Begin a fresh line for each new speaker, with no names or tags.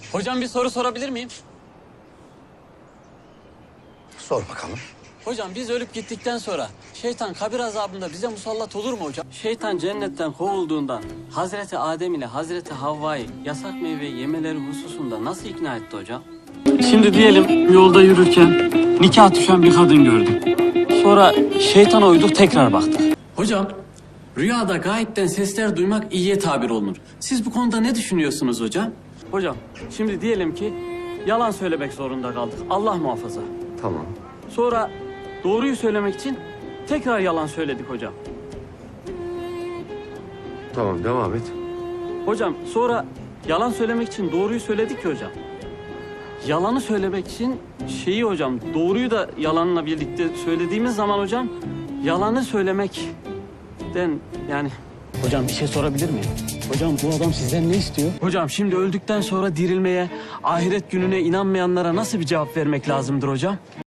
Hocam bir soru sorabilir miyim?
Sor bakalım.
Hocam biz ölüp gittikten sonra şeytan kabir azabında bize musallat olur mu hocam? Şeytan cennetten kovulduğundan Hazreti Adem ile Hazreti Havva'yı yasak meyveyi yemeleri hususunda nasıl ikna etti hocam? Şimdi diyelim yolda yürürken nikah düşen bir kadın gördüm. Sonra şeytana uyduk tekrar baktık. Hocam rüyada gayipten sesler duymak iyiye tabir olunur. Siz bu konuda ne düşünüyorsunuz hocam? Hocam şimdi diyelim ki yalan söylemek zorunda kaldık. Allah muhafaza.
Tamam.
Sonra doğruyu söylemek için tekrar yalan söyledik hocam.
Tamam, devam et.
Hocam sonra yalan söylemek için doğruyu söyledik ki hocam. Yalanı söylemek için hocam doğruyu da yalanla birlikte söylediğimiz zaman hocam yalanı söylemekten yani... Hocam bir şey sorabilir miyim? Hocam bu adam sizden ne istiyor? Hocam şimdi öldükten sonra dirilmeye, ahiret gününe inanmayanlara nasıl bir cevap vermek lazımdır hocam?